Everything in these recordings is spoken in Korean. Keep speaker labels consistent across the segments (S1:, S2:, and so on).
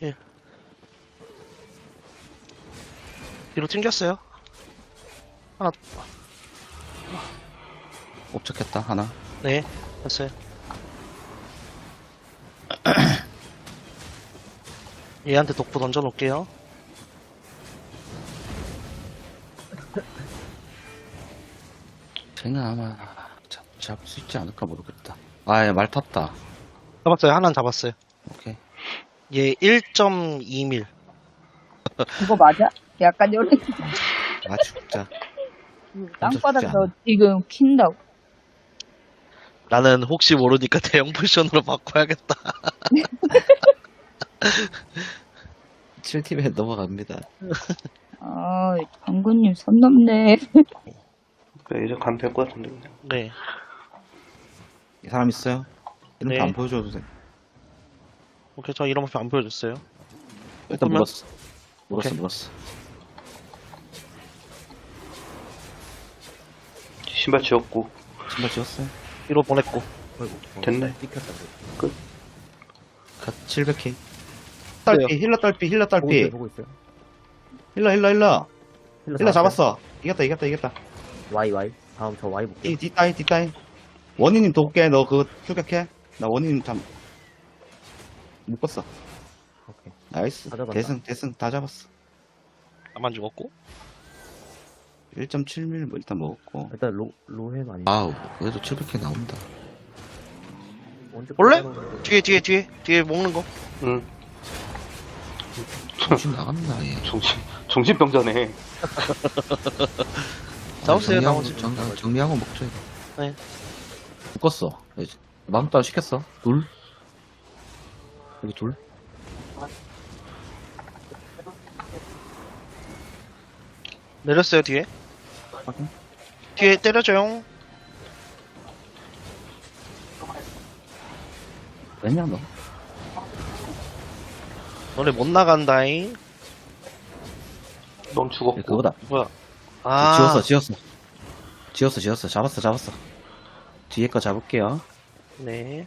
S1: 예. 뒤로 튕겼어요. 하나,
S2: 옵적했다 하나.
S1: 네, 됐어요. 얘한테 독보 던져놓을게요.
S2: 쟤는 아마 잡을 수 있지 않을까 모르겠다. 아, 말 탔다.
S1: 잡았어요. 하나는 잡았어요.
S2: 오케이.
S1: 얘 1.2밀.
S3: 그거 맞아? 약간 요런
S2: 아, 죽자.
S3: 땅바닥에서 지금 킨다고.
S1: 나는 혹시 모르니까 대형 포션으로 바꿔야겠다.
S2: 7팀에 넘어갑니다.
S3: 아, 장군님 선 넘네.
S4: 그래, 이제 가면 될 것 같은데. 그냥.
S1: 네.
S2: 이 사람 있어요? 이름
S1: 네.
S2: 안 보여줘도 돼.
S1: 오케이, 저 이런 모습 안 보여줬어요.
S2: 일단
S1: 그러면-
S2: 물었어.
S1: 오케이.
S2: 물었어.
S4: 신발 지웠고.
S2: 신발 지웠어요?
S1: 뒤로 보냈고.
S4: 됐네. 끝.
S2: 갓 700K.
S1: 딸피,
S2: 힐러 딸피.
S5: 보고 있어요.
S2: 힐러 잡았어. 이겼다.
S5: Y. 다음 저 Y 볼게요.
S2: 이 뒷다이. 원희님 돕게. 너 그거 출격해. 나 원희님 묶었어.
S5: 오케이.
S2: 나이스.
S5: 다 잡았다.
S2: 대승 다 잡았어.
S1: 나만 죽었고.
S2: 1.7mm 뭐 일단 먹었고.
S5: 일단 로햄 아니에요?
S2: 아우, 그래도 700K 나온다.
S5: 언제
S1: 원래?
S5: 끝나는
S1: 뒤에 먹는 거.
S4: 응.
S2: 정신 나간다, 얘.
S4: 정신병자네.
S1: 잡았어요, 나머지.
S2: 정리하고 먹죠, 이거.
S1: 네.
S2: 묶었어. 이제 마음 따로 시켰어. 둘. 여기 둘.
S1: 내렸어요, 뒤에.
S2: 확인.
S1: 뒤에 때려줘요.
S2: 왜냐, 너?
S1: 너네 못 나간다잉.
S4: 넌 죽었고.
S2: 그거다.
S1: 뭐야. 아.
S2: 지웠어. 잡았어. 뒤에 거 잡을게요.
S1: 네.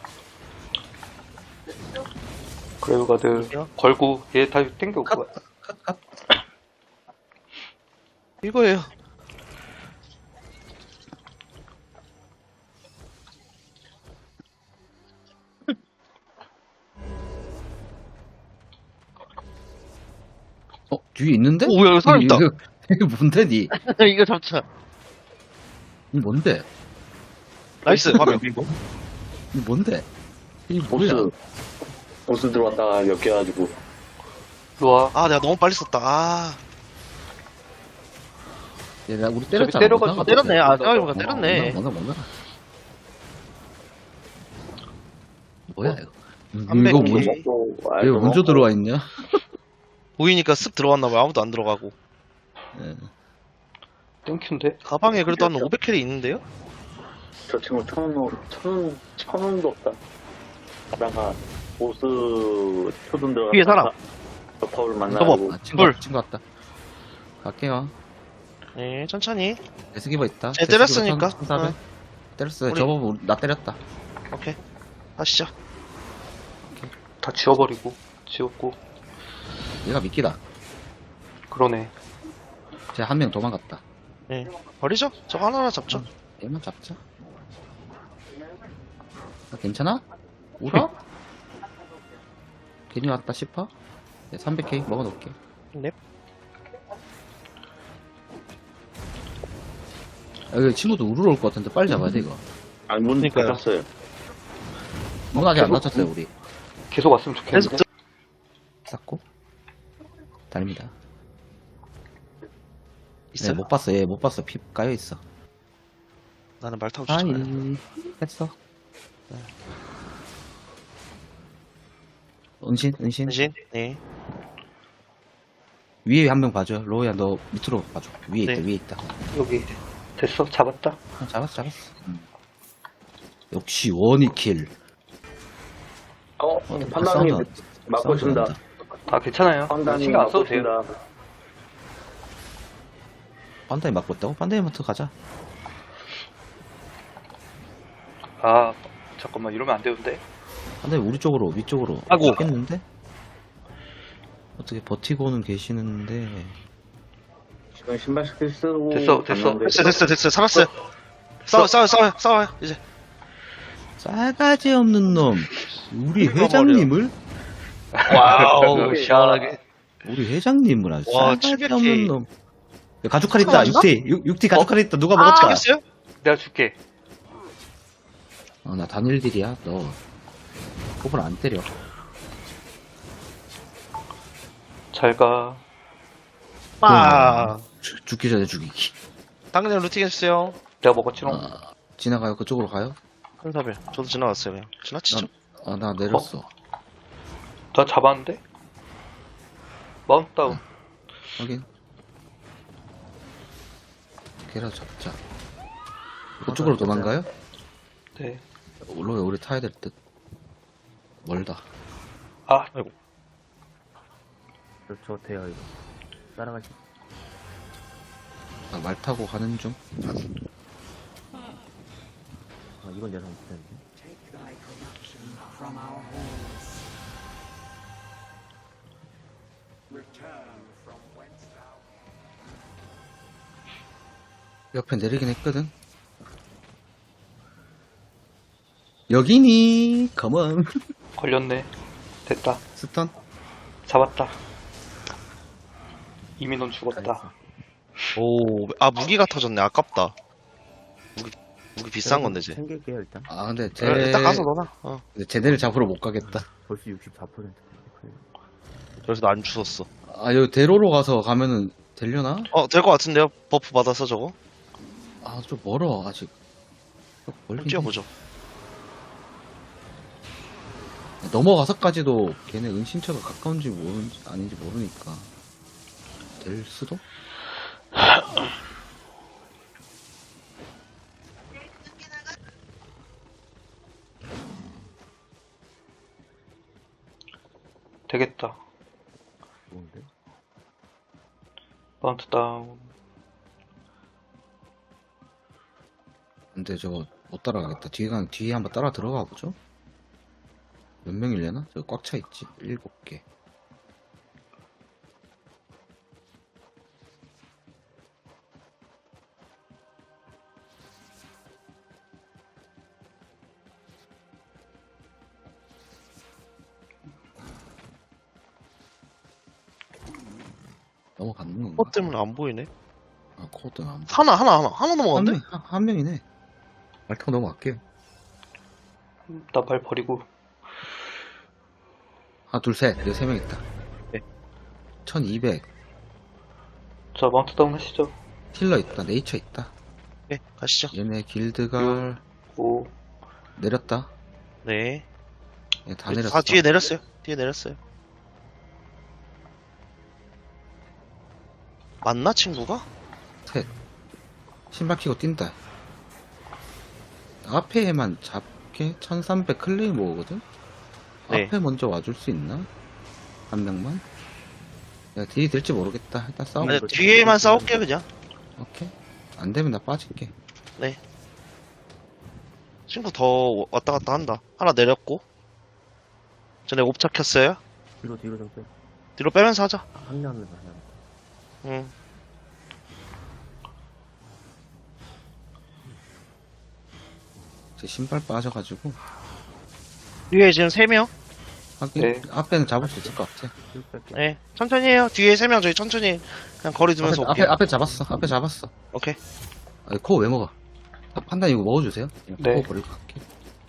S4: 그레이브가드
S1: 여기요?
S4: 걸고 얘 다 땡겨.
S1: 이거예요.
S2: 뒤에 있는데?
S1: 오, 야, 여기 사람 있다.
S2: 이게 뭔데, 니?
S1: 이거 잡자.
S2: 이 뭔데?
S1: 나이스, 화면.
S2: 이 뭔데? 이 뭐야?
S6: 보스 들어왔다가 엮여가지고
S4: 로아.
S1: 아, 내가 너무 빨리 썼다. 아,
S2: 얘, 우리 때렸잖아.
S4: 때려가지고
S2: 뭔가
S1: 때렸네. 아,
S2: 같아.
S1: 생각해보니까 때렸네.
S2: 뭔가. 뭐야, 이거?
S1: 안
S2: 이거
S1: 뺏기.
S2: 뭔, 이거 먼저 들어와 있냐?
S1: 보이니까 쓱 들어왔나봐요. 아무도 안 들어가고.
S2: 예.
S4: 땡큐인데?
S1: 가방에 그래도 한 500캐리 있는데요?
S6: 저 친구 천원도 없다. 가다가 보스 표준 들어가서
S1: 뒤에 사람.
S6: 저 파울
S1: 저거.
S6: 만나고
S2: 아,
S1: 불.
S2: 친구 왔다. 갈게요.
S1: 네, 천천히.
S2: 데스기버 있다.
S1: 쟤 때렸으니까.
S2: 1400. 때렸어요.
S1: 우리-
S2: 저거 나 때렸다.
S1: 오케이. 하시죠.
S4: 다 지워버리고. 지웠고.
S2: 얘가 미끼다.
S4: 그러네.
S2: 쟤 한 명 도망갔다.
S1: 네. 버리죠? 저거 하나하나 잡죠.
S2: 얘만 잡자. 아, 괜찮아? 울어? 괜히 왔다 싶어? 네, 300K 먹어놓을게.
S1: 넵.
S2: 여기 친구도 우르르 올 것 같은데 빨리 잡아야 돼 이거.
S6: 아니 문
S1: 그러니까요.
S6: 닫았어요.
S2: 문 아직 안 닫혔어요 우리.
S4: 계속 왔으면
S1: 계속
S4: 좋겠는데?
S2: 쌓고 달립니다.
S1: 있어요?
S2: 네, 못 봤어. 얘 못 봤어. 피 까여있어.
S1: 나는 말 타고
S2: 아이
S1: 쫓아가요.
S2: 했어. 은신
S1: 대신, 네.
S2: 위에 한 명 봐줘. 로우야 너 밑으로 봐줘. 위에
S1: 네.
S2: 있다 위에 있다.
S4: 여기. 됐어? 잡았다?
S2: 잡았어. 역시 원이킬.
S6: 판단님
S2: 싸운다.
S6: 맞고 준다.
S2: 싸운다.
S4: 아, 괜찮아요.
S6: 판단님
S4: 신경 안
S6: 맞고
S4: 써도 돼요.
S6: 준다.
S2: 판다이 맞고 있다고? 판다이부터 가자.
S4: 아, 잠깐만. 이러면 안 되는데?
S2: 판다이 우리 쪽으로 위쪽으로
S1: 아이고.
S2: 겠는데? 어떻게 버티고는 계시는데.
S6: 지금 신발 스킬 쓰고.
S4: 됐어.
S1: 됐어요. 살았어요. 싸워요. 이제.
S2: 싸가지 없는 놈. 우리
S1: 그러니까
S2: 회장님을?
S1: 와우, 시원하게.
S2: 우리 회장님을 아주
S1: 와,
S2: 싸가지
S1: 700K.
S2: 없는 놈. 야, 가죽칼 있다.
S1: 맞나?
S2: 6T 가죽칼 있다. 누가 먹었다.
S1: 알겠어요?
S4: 내가 줄게.
S2: 나 단일딜이야. 너 호불 안 때려.
S4: 잘 가.
S2: 죽기 전에 죽이기.
S1: 당근님 루팅 해주세요.
S4: 내가 먹었지롱.
S2: 지나가요. 그쪽으로 가요.
S1: 한사벨. 저도 지나갔어요, 그냥. 지나치죠?
S2: 나 내렸어.
S4: 나 잡았는데? 마운트 다운.
S2: 확인. 걔라 잡자. 그쪽으로 도망가요?
S4: 네.
S2: 로에 우리 타야 될 듯. 멀다.
S4: 아,
S5: 저 돼요, 이거. 따라가시.
S2: 나 말 타고 가는 중.
S5: 이건 예상 못했는데.
S2: 옆에 내리긴 했거든. 여기니? 컴온.
S4: 걸렸네. 됐다.
S2: 스턴?
S4: 잡았다. 이미 넌 죽었다.
S1: 오, 무기가 터졌네. 아깝다. 무기 비싼 건데, 쟤.
S5: 챙길게요, 일단.
S2: 근데
S1: 일단 가서 넣어놔.
S2: 근데 쟤네를 잡으러 못 가겠다.
S5: 벌써 64%.
S1: 그래서 나 안 주웠어.
S2: 여기 대로로 가면은 되려나?
S1: 될 것 같은데요? 버프 받아서 저거?
S2: 좀 멀어, 아직.
S1: 한번
S2: 멀긴 해.
S1: 뛰어보죠.
S2: 넘어가서까지도 걔네 은신처가 가까운지 아닌지 모르니까. 될 수도?
S4: 되겠다.
S5: 좋은데?
S4: 마운트 다운.
S2: 근데 저거 못 따라가겠다. 뒤에 한번 따라 들어가 보죠. 몇 명이려나? 저거 꽉 차 있지. 7개. 넘어갔는 건가?
S1: 코 때문에 안 보이네.
S2: 코드 안
S1: 하나 넘어갔네?
S2: 한 명이네. 말 타고 넘어갈게요.
S4: 나 발 버리고.
S2: 하나, 둘, 셋. 여기 3명 있다.
S1: 네.
S2: 1200.
S4: 자, 마운트 다운 하시죠.
S2: 힐러 있다. 네이처 있다.
S1: 네, 가시죠.
S2: 얘네 길드갈
S4: 오,
S2: 내렸다.
S1: 네.
S2: 얘 다 내렸어.
S1: 뒤에 내렸어요. 맞나, 친구가?
S2: 셋. 신발 키고 뛴다. 앞에만 잡게 1300 클레이모거든?
S1: 네.
S2: 앞에 먼저 와줄 수 있나? 한 명만? 야, 딜이 될지 모르겠다. 일단 싸우면
S1: 아니, 뒤에만 싸울게, 그냥.
S2: 오케이. 안 되면 나 빠질게.
S1: 친구 더 왔다 갔다 한다. 하나 내렸고. 전에 옵차 켰어요.
S5: 뒤로 좀 빼.
S1: 뒤로 빼면서 하자.
S5: 합류하면서 하면.
S1: 응.
S2: 제 신발 빠져가지고.
S1: 뒤에 지금 3명?
S2: 하긴,
S4: 네.
S2: 앞에는 잡을 수 있을 것 같아.
S5: 뒤로 뺄게.
S1: 네. 천천히 해요. 뒤에 3명 저희 천천히 그냥 거리 두면서 올게요.
S2: 앞에 잡았어.
S1: 오케이.
S2: 코어 왜 먹어? 판단 이거 먹어주세요. 그냥
S4: 네.
S2: 코어 버리고 갈게.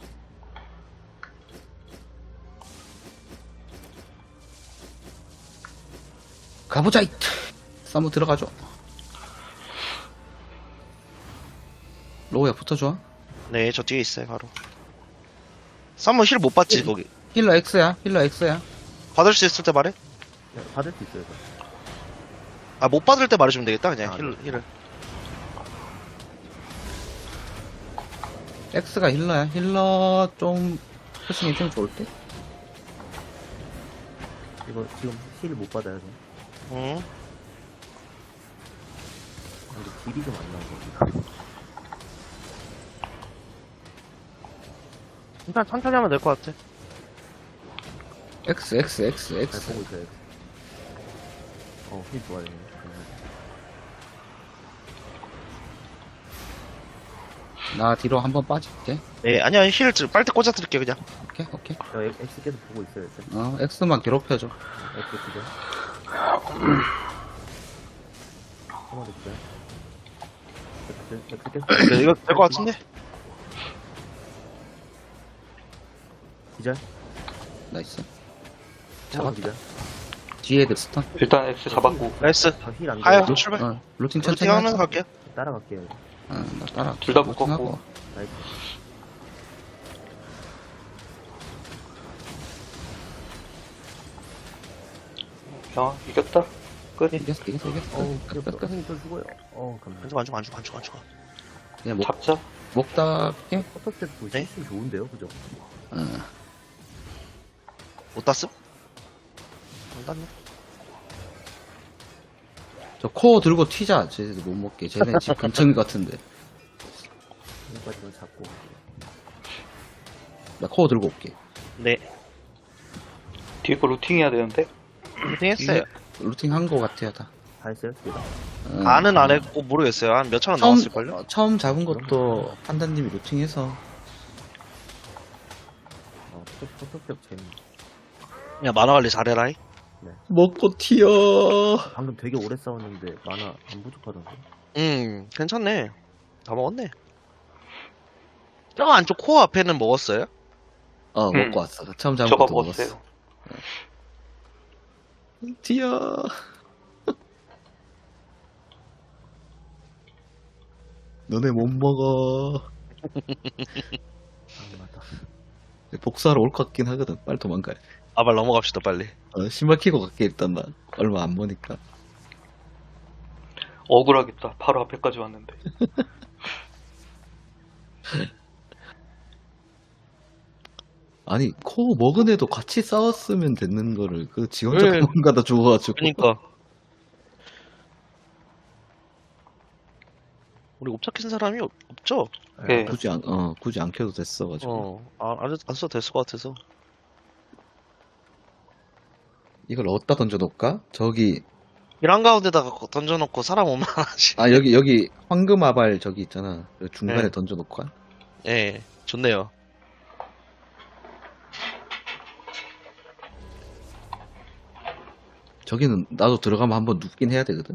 S2: 가보자, 이트! 쌈무 들어가줘. 로우야, 붙어줘.
S1: 네, 저 뒤에 있어요, 바로. 쌈무 힐 못 받지, 거기.
S2: 힐러 X야.
S1: 받을 수 있을 때 말해?
S5: 네, 받을 수 있어요, 이거.
S1: 못 받을 때 말해주면 되겠다, 그냥. 힐을.
S2: X가 힐러야. 힐러 좀, 표싱이 좀 좋을 때?
S5: 이거 지금 힐 못 받아요, 저.
S1: 응.
S5: 근데 딜이 좀 안 나오고.
S1: 일단 천천히 하면 될 것 같아.
S2: X.
S5: 잘 보고 있어요. 힐 좋아요.
S2: 나 뒤로 한번 빠질게.
S1: 네, 아니야, 힐 빨대 꽂아드릴게요, 그냥.
S2: 오케이, 오케이.
S5: X 계속 보고 있어요. 일단.
S2: X만 괴롭혀줘.
S5: X 기절. 한마디 기절. X 계속
S1: 네, 이거 될 것 같은데?
S5: 기절.
S2: 나이스.
S5: 잡았
S2: 잡았다.
S5: 기절.
S2: 뒤에 그 스턴.
S4: 일단 X 잡았고.
S1: 나이스.
S5: 힐안
S1: 가요,
S5: 돼요.
S1: 출발.
S2: 루팅
S1: 루팅
S2: 천천히
S1: 하면서
S2: 하자.
S1: 갈게요.
S5: 따라갈게요.
S2: 나 따라.
S4: 둘다
S2: 루팅하고.
S4: 묶었고.
S5: 나이스.
S4: 야, 이겼다. 끝.
S2: 이겼어.
S5: 어우,
S2: 끝.
S5: 형님 또 죽어요. 감사합니다.
S1: 안 죽어.
S2: 그냥
S4: 잡자.
S2: 목 닿게.
S5: 포터 때도
S1: 네?
S5: 실수 좋은데요, 그죠?
S1: 못 땄음? 안 땄네.
S2: 저 코어 들고 튀자. 쟤네들 못 먹게. 쟤네 집 근처인 것 같은데.
S5: 여기까지만 잡고.
S2: 나 코어 들고 올게.
S1: 네,
S4: 뒤에 거 루팅 해야 되는데.
S1: 루팅 했어요.
S2: 루팅 한 거 같아요, 다.
S5: 다 했어요? 둘 다?
S1: 안은 안 했고, 모르겠어요. 한 몇천 원 나왔을걸요?
S2: 처음 잡은 것도 판단님이 루팅해서.
S5: 포터 때 재밌네.
S1: 그냥 만화 관리 잘해라이.
S2: 먹고 튀어.
S5: 방금 되게 오래 싸웠는데 만화 안 부족하던데.
S1: 괜찮네. 다 먹었네. 저 안쪽 코어 앞에는 먹었어요?
S2: 먹고 왔어. 처음 잡은
S4: 저거
S2: 것도
S4: 먹었어요.
S2: 먹었어. 튀어. 너네 못 먹어.
S5: 맞다.
S2: 복수하러 올 것 같긴 하거든. 빨리 도망가야 돼.
S1: 아발 넘어갑시다, 빨리.
S2: 신발 끼고 갈게, 일단 나. 얼마 안 보니까.
S4: 억울하겠다. 바로 앞에까지 왔는데.
S2: 아니, 코 먹은 애도 같이 싸웠으면 됐는 거를, 지 혼자
S1: 왜?
S2: 도망가다 죽어가지고.
S1: 그니까. 우리 옵착한 사람이 없죠?
S4: 네.
S2: 굳이 안 켜도 됐어가지고.
S1: 안 써도 됐을 것 같아서.
S2: 이걸 어디다 던져놓을까? 저기,
S1: 길 한가운데다가 던져놓고 사람 오면 하지.
S2: 여기, 황금 아발 저기 있잖아. 여기 중간에
S1: 네.
S2: 던져놓을까?
S1: 예, 좋네요.
S2: 저기는 나도 들어가면 한번 눕긴 해야 되거든.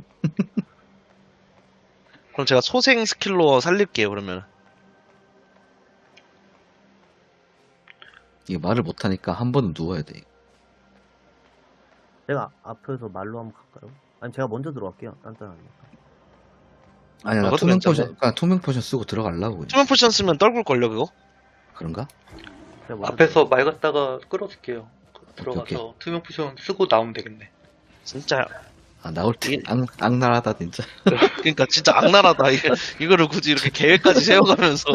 S1: 그럼 제가 소생 스킬로 살릴게요, 그러면.
S2: 이게 말을 못하니까 한 번은 누워야 돼.
S5: 제가 앞에서 말로 한번 갈까요? 아니 제가 먼저 들어갈게요. 단단하니까.
S2: 아니야, 나
S1: 그것도
S2: 투명
S1: 괜찮네.
S2: 포션, 투명 포션 쓰고 들어가려고. 그냥.
S1: 투명 포션 쓰면 떨굴걸요, 그거?
S2: 그런가?
S5: 제가 먼저
S4: 앞에서 말 갖다가 끌어줄게요. 들어가서
S2: 오케이.
S4: 투명 포션 쓰고 나오면 되겠네.
S1: 진짜,
S2: 나올 때
S1: 이게-
S2: 악랄하다, 진짜.
S1: 그러니까 진짜 악랄하다. 이거를 굳이 이렇게 계획까지 세워가면서.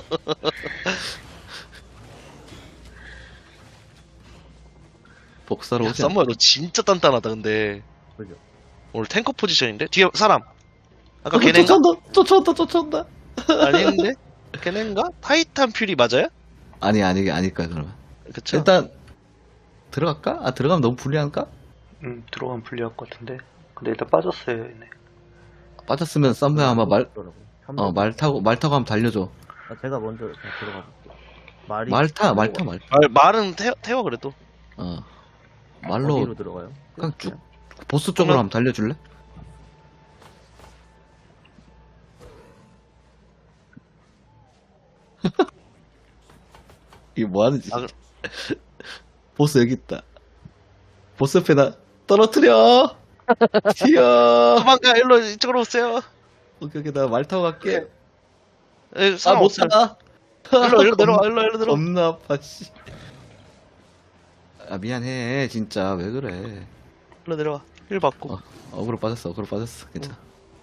S2: 복사로
S1: 야,
S2: 오지 않
S1: 썸머야, 너 진짜 단단하다, 근데.
S5: 그죠?
S1: 오늘 탱커 포지션인데? 뒤에 사람. 아까 걔네인가?
S2: 쫓아온다.
S1: 아닌데? 걔네인가? 타이탄 퓨리 맞아요?
S2: 아닐까, 그러면.
S1: 그쵸?
S2: 일단, 들어갈까? 들어가면 너무 불리한가?
S4: 들어가면 불리할 것 같은데. 근데 일단 빠졌어요, 얘네.
S2: 빠졌으면 썸네 아마 말 타고 한번 달려줘.
S5: 제가 먼저 그냥 들어가 볼게요. 말이
S2: 말 타.
S1: 말은 태워, 그래도.
S2: 말로
S5: 어디로 들어가요?
S2: 그냥 쭉 보스 쪽으로 한번 달려줄래? 이게 뭐하는 짓?
S1: 아,
S2: 보스 여기 있다. 보스 옆에 나 떨어뜨려. 튀어.
S1: 도망가, 이쪽으로 오세요.
S2: 오케이, 나 말 타고 갈게.
S1: 에, 사람
S2: 못
S1: 없어요.
S2: 타.
S1: 일로 내려와, 일로 내려와.
S2: 겁나 아파, 씨. 미안해, 진짜. 왜 그래.
S1: 일로 내려와. 힐 받고.
S2: 어그로 빠졌어, 괜찮아.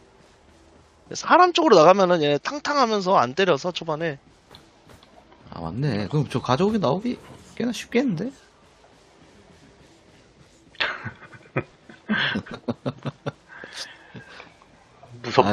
S1: 사람 쪽으로 나가면은 얘 탕탕하면서 안 때려서 초반에.
S2: 맞네. 그럼 저 가져오기 나오기 꽤나 쉽겠는데?
S4: 무섭다.